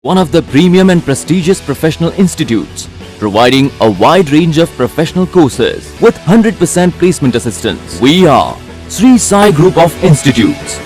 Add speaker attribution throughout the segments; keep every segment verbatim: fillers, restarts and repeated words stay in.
Speaker 1: one of the premium and prestigious professional institutes, providing a wide range of professional courses with one hundred percent placement assistance. We are Sri Sai Group of Institutes.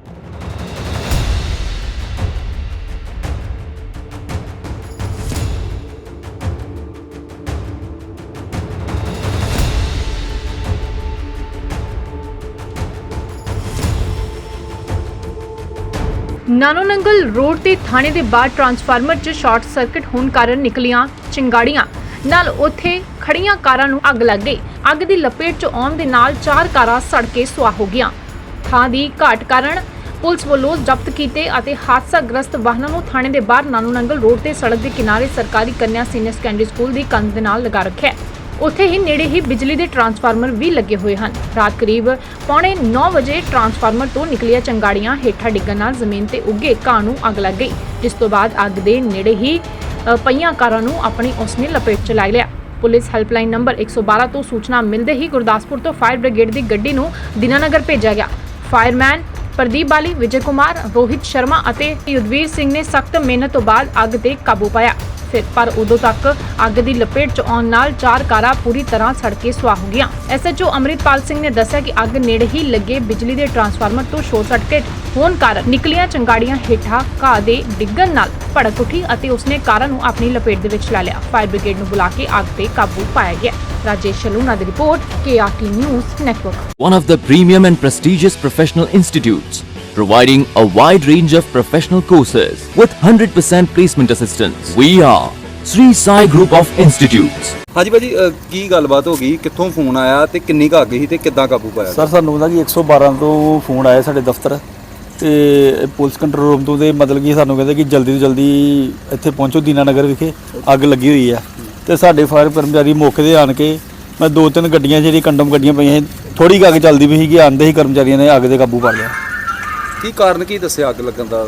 Speaker 2: ਨਾਨੋ Nangal road ਤੇ ਥਾਣੇ ਦੇ ਬਾਹਰ transformer 'ਚ short circuit ਹੋਣ ਕਾਰਨ ਨਿਕਲੀਆਂ ਚਿੰਗਾੜੀਆਂ ਨਾਲ ਉੱਥੇ ਖੜੀਆਂ ਕਾਰਾਂ ਨੂੰ ਅੱਗ ਲੱਗ ਗਈ। ਅੱਗ ਦੀ ਲਪੇਟ 'ਚ ਆਉਣ ਦੇ ਨਾਲ ਚਾਰ ਕਾਰਾਂ ਸੜ ਕੇ ਸੁਆਹ ਹੋ ਗਈਆਂ। ਥਾਂ ਦੀ ਘਾਟ ਕਾਰਨ ਪੁਲਿਸ ਵੱਲੋਂ ਜ਼ਬਤ ਕੀਤੇ ਅਤੇ ਹਾਦਸਾਗ੍ਰਸਤ ਵਾਹਨਾਂ ਨੂੰ ਥਾਣੇ ਦੇ ਬਾਹਰ ਨਾਨੋ ਨੰਗਲ ਰੋਡ ਤੇ ਸੜਕ ਦੇ ਕਿਨਾਰੇ ਸਰਕਾਰੀ ਕੰਨਿਆ ਸੀਨੀਅਰ ਸੈਕੰਡਰੀ ਸਕੂਲ ਦੀ ਕੰਧ ਦੇ ਨਾਲ ਲਗਾ ਰੱਖਿਆ ਹੈ। ਉੱਥੇ ਹੀ ਨੇੜੇ ਹੀ ਬਿਜਲੀ ਦੇ ਟਰਾਂਸਫਾਰਮਰ ਵੀ ਲੱਗੇ ਹੋਏ ਹਨ। ਰਾਤ ਕਰੀਬ ਪੌਣੇ ਨੌ ਵਜੇ ਟਰਾਂਸਫਾਰਮਰ ਤੋਂ ਨਿਕਲੀਆਂ ਚੰਗਾੜੀਆਂ ਹੇਠਾਂ ਡਿੱਗਣ ਨਾਲ ਜ਼ਮੀਨ ਤੇ ਉੱਗੇ ਘਾਹ ਨੂੰ ਅੱਗ ਲੱਗ ਗਈ, ਜਿਸ ਤੋਂ ਬਾਅਦ ਅੱਗ ਦੇ ਨੇੜੇ ਹੀ ਪਈਆਂ ਕਾਰਾਂ ਨੂੰ ਆਪਣੀ ਉਸ ਨੇ ਲਪੇਟ 'ਚ ਲੈ ਲਿਆ। ਪੁਲਿਸ ਹੈਲਪਲਾਈਨ ਨੰਬਰ ਇੱਕ ਸੌ ਬਾਰਾਂ ਤੋਂ ਸੂਚਨਾ ਮਿਲਦੇ ਹੀ ਗੁਰਦਾਸਪੁਰ ਤੋਂ ਫਾਇਰ ਬ੍ਰਿਗੇਡ ਦੀ ਗੱਡੀ ਨੂੰ ਦੀਨਾਨਗਰ ਭੇਜਿਆ ਗਿਆ। ਫਾਇਰਮੈਨ ਪ੍ਰਦੀਪ ਬਾਲੀ, ਵਿਜੇ ਕੁਮਾਰ, ਰੋਹਿਤ ਸ਼ਰਮਾ ਅਤੇ ਯੁੱਧਵੀਰ ਸਿੰਘ ਨੇ ਸਖਤ ਮਿਹਨਤ ਤੋਂ ਬਾਅਦ ਅੱਗ ਤੇ ਕਾਬੂ ਪਾਇਆ। ਫਿਰ ਪਰ ਉਦੋਂ ਤੱਕ ਅੱਗ ਦੀ ਲਪੇਟ 'ਚ ਆਉਣ ਨਾਲ ਚਾਰ ਕਾਰਾਂ ਪੂਰੀ ਤਰ੍ਹਾਂ ਸੜ ਕੇ ਸੁਆਹ ਹੋ ਗਈਆਂ। ਐਸਐਚਓ ਅੰਮ੍ਰਿਤਪਾਲ ਸਿੰਘ ਨੇ ਦੱਸਿਆ ਕਿ ਅੱਗ ਨੇੜੇ ਹੀ ਲੱਗੇ ਬਿਜਲੀ ਦੇ ਟਰਾਂਸਫਾਰਮਰ ਤੋਂ ਸ਼ੋਰਟ ਸਰਕਟ ਹੋਣ ਕਾਰਨ ਨਿਕਲੀਆਂ ਚੰਗਾੜੀਆਂ ਹੇਠਾਂ ਘਾਹ ਦੇ ਡਿੱਗਣ ਨਾਲ ਭੜਕ ਉੱਠੀ ਅਤੇ ਉਸਨੇ ਕਾਰਾਂ ਨੂੰ ਆਪਣੀ ਲਪੇਟ ਦੇ ਵਿੱਚ ਲੈ ਲਿਆ। ਫਾਇਰ ਬ੍ਰਿਗੇਡ ਨੂੰ ਬੁਲਾ ਕੇ ਅੱਗ ਤੇ ਕਾਬੂ ਪਾਇਆ ਗਿਆ। ਰਾਜੇਸ਼ ਸ਼ਲੂਨਾ ਦੀ report, K R T news network.
Speaker 1: One of the premium and prestigious professional institutes, providing a wide range of professional courses with one hundred percent placement assistance. We are Sri Sai Group of Institutes.
Speaker 3: ਹਾਂਜੀ ਭਾਜੀ, ਕੀ ਗੱਲਬਾਤ ਹੋ ਗਈ? ਕਿੱਥੋਂ phone ਆਇਆ ਤੇ ਕਿੰਨੀ ਕੁ ਅੱਗ ਸੀ ਤੇ ਕਿੱਦਾਂ ਕਾਬੂ ਪਾਇਆ?
Speaker 4: ਸਰ ਸਾਨੂੰ ਨਾ ਜੀ ਇੱਕ ਸੌ ਬਾਰਾਂ ਤੋਂ ਫੋਨ ਆਇਆ ਸਾਡੇ ਦਫ਼ਤਰ ਤੇ ਪੁਲਿਸ ਕੰਟਰੋਲ ਰੂਮ ਤੋਂ, ਤੇ ਮਤਲਬ ਕਿ ਸਾਨੂੰ ਕਹਿੰਦੇ ਕਿ ਜਲਦੀ ਤੋਂ ਜਲਦੀ ਇੱਥੇ ਪਹੁੰਚੋ, ਦੀਨਾਨਗਰ ਵਿਖੇ ਅੱਗ ਲੱਗੀ ਹੋਈ ਆ। ਤੇ ਸਾਡੇ ਫਾਇਰ ਕਰਮਚਾਰੀ ਮੌਕੇ 'ਤੇ ਆਣ ਕੇ, ਮੈਂ ਦੋ ਤਿੰਨ ਗੱਡੀਆਂ ਜਿਹੜੀ ਕੰਡਮ ਗੱਡੀਆਂ ਪਈਆਂ ਸੀ, ਥੋੜੀ ਕੁ ਅੱਗ ਚੱਲਦੀ ਪਈ ਸੀ ਕਿ ਆਂਦੇ ਹੀ ਕਰਮਚਾਰੀਆਂ ਨੇ ਅੱਗ 'ਤੇ ਕਾਬੂ ਪਾ ਲਿਆ।
Speaker 3: ਕੀ ਕਾਰਨ ਕੀ ਦੱਸਿਆ ਅੱਗ ਲੱਗਣ ਦਾ?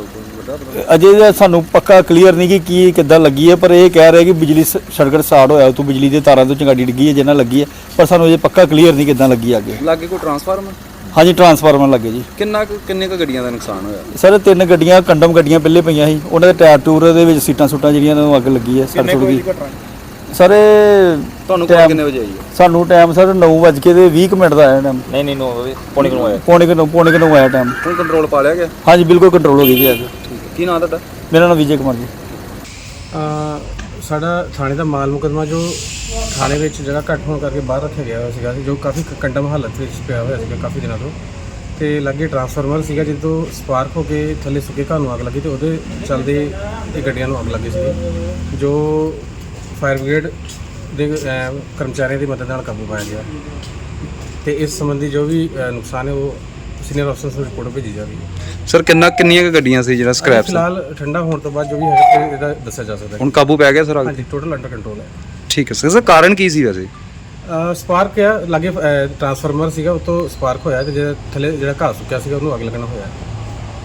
Speaker 4: ਅਜੇ ਸਾਨੂੰ ਪੱਕਾ ਕਲੀਅਰ ਨਹੀਂ ਕਿ ਕੀ ਕਿੱਦਾਂ ਲੱਗੀ ਹੈ, ਪਰ ਇਹ ਕਹਿ ਰਹੇ ਕਿ ਬਿਜਲੀ ਸਰਕਟ ਸਟਾਰਟ ਹੋਇਆ, ਉਤੋਂ ਬਿਜਲੀ ਦੇ ਤਾਰਾਂ ਤੋਂ ਚੰਗਾੜੀ ਡਿੱਗੀ ਹੈ ਜਿਹਨਾਂ ਲੱਗੀ ਹੈ, ਪਰ ਸਾਨੂੰ ਅਜੇ ਪੱਕਾ ਕਲੀਅਰ ਨਹੀਂ ਕਿੱਦਾਂ ਲੱਗੀ ਅੱਗੇ।
Speaker 3: ਲਾਗੇ ਕੋਈ ਟਰਾਂਸਫਾਰਮਰ?
Speaker 4: ਹਾਂਜੀ, ਟਰਾਂਸਫਾਰਮਰ ਲੱਗੇ ਜੀ।
Speaker 3: ਕਿੰਨਾ ਕੁ ਕਿੰਨੇ ਕੁ ਗੱਡੀਆਂ ਦਾ ਨੁਕਸਾਨ ਹੋਇਆ?
Speaker 4: ਸਰ ਤਿੰਨ ਗੱਡੀਆਂ ਕੰਡਮ ਗੱਡੀਆਂ ਪਹਿਲੇ ਪਈਆਂ ਸੀ, ਉਹਨਾਂ ਦੇ ਟਾਇਰ ਟੂਰ ਦੇ ਵਿੱਚ ਸੀਟਾਂ ਸੂਟਾਂ ਜਿਹੜੀਆਂ ਨੂੰ ਅੱਗ ਲੱਗੀ ਹੈ, ਸੜ ਸੁੜ ਗਈ। ਸਰ
Speaker 3: ਤੁਹਾਨੂੰ ਕੋਲ ਕਿੰਨੇ ਵਜੇ ਆਈ ਹੈ?
Speaker 4: ਸਾਨੂੰ ਟਾਈਮ ਸਰ ਨੌ ਵੱਜ ਕੇ ਤੇ ਵੀਹ ਮਿੰਟ ਦਾ ਆਇਆ ਟਾਈਮ।
Speaker 3: ਨਹੀਂ ਨਹੀਂ ਨੌ ਵਜੇ ਪੌਣੇ ਕਿਲੋ ਆਇਆ।
Speaker 4: ਪੌਣੇ ਕਿਲੋ ਪੌਣੇ ਕਿਲੋ ਆਇਆ ਟਾਈਮ।
Speaker 3: ਹੁਣ ਕੰਟਰੋਲ ਪਾ ਲਿਆ ਗਿਆ?
Speaker 4: ਹਾਂਜੀ ਬਿਲਕੁਲ ਕੰਟਰੋਲ ਹੋ ਗਈ ਜੀ ਅੱਗ।
Speaker 3: ਕੀ ਨਾਮ ਤੁਹਾਡਾ?
Speaker 4: ਮੇਰਾ ਨਾਮ ਵਿਜੇ ਕੁਮਾਰ ਜੀ।
Speaker 5: ਸਾਡਾ ਥਾਣੇ ਦਾ ਮਾਲ ਮੁਕੱਦਮਾ ਜੋ ਥਾਣੇ ਵਿੱਚ ਜਗ੍ਹਾ ਘੱਟ ਹੋਣ ਕਰਕੇ ਬਾਹਰ ਰੱਖਿਆ ਗਿਆ ਹੋਇਆ ਸੀਗਾ, ਜੋ ਕਾਫੀ ਕੰਡਮ ਹਾਲਤ ਵਿੱਚ ਪਿਆ ਹੋਇਆ ਸੀਗਾ ਕਾਫੀ ਦਿਨਾਂ ਤੋਂ, ਤੇ ਲਾਗੇ ਟਰਾਂਸਫਾਰਮਰ ਸੀਗਾ ਜਦੋਂ ਸਪਾਰਕ ਹੋ ਕੇ ਥੱਲੇ ਸੁੱਕੇ ਘਰ ਨੂੰ ਅੱਗ ਲੱਗੀ, ਤੇ ਉਹਦੇ ਚੱਲਦੇ ਇਹ ਗੱਡੀਆਂ ਨੂੰ ਅੱਗ ਲੱਗੀ ਸੀ, ਜੋ ਫਾਇਰ ਬ੍ਰਿਗੇਡ ਦੇ ਕਰਮਚਾਰੀਆਂ ਦੀ ਮਦਦ ਨਾਲ ਕਾਬੂ ਪਾਇਆ ਗਿਆ। ਤੇ ਇਸ ਸੰਬੰਧੀ ਜੋ ਵੀ ਨੁਕਸਾਨ ਹੈ ਉਹ ਸੀਨੀਅਰ ਅਫਸਰ ਨੂੰ ਰਿਪੋਰਟ ਭੇਜੀ ਜਾਵੇਗੀ।
Speaker 3: ਸਰ ਕਿੰਨਾ ਕਿੰਨੀਆਂ ਕੁ ਗੱਡੀਆਂ ਸੀ ਜਿਹੜਾ ਸਕ੍ਰੈਪ?
Speaker 5: ਫਿਲਹਾਲ ਠੰਡਾ ਹੋਣ ਤੋਂ ਬਾਅਦ ਜੋ ਵੀ ਹੈਗਾ ਇਹਦਾ ਦੱਸਿਆ ਜਾ ਸਕਦਾ।
Speaker 3: ਹੁਣ ਕਾਬੂ ਪੈ ਗਿਆ ਸਰ?
Speaker 5: ਹਾਂਜੀ, ਟੋਟਲ ਅੰਡਰ ਕੰਟਰੋਲ ਹੈ।
Speaker 3: ਠੀਕ ਹੈ ਸਰ। ਸਰ ਕਾਰਨ ਕੀ ਸੀ ਵੈਸੇ?
Speaker 5: ਸਪਾਰਕ ਆ ਲਾਗੇ ਟਰਾਂਸਫਾਰਮਰ ਸੀਗਾ, ਉਤੋਂ ਸਪਾਰਕ ਹੋਇਆ ਤੇ ਜਿਹੜਾ ਥੱਲੇ ਜਿਹੜਾ ਘਾਹ ਸੁੱਕਿਆ ਸੀਗਾ ਉਹਨੂੰ ਅੱਗ ਲੱਗਣਾ ਹੋਇਆ।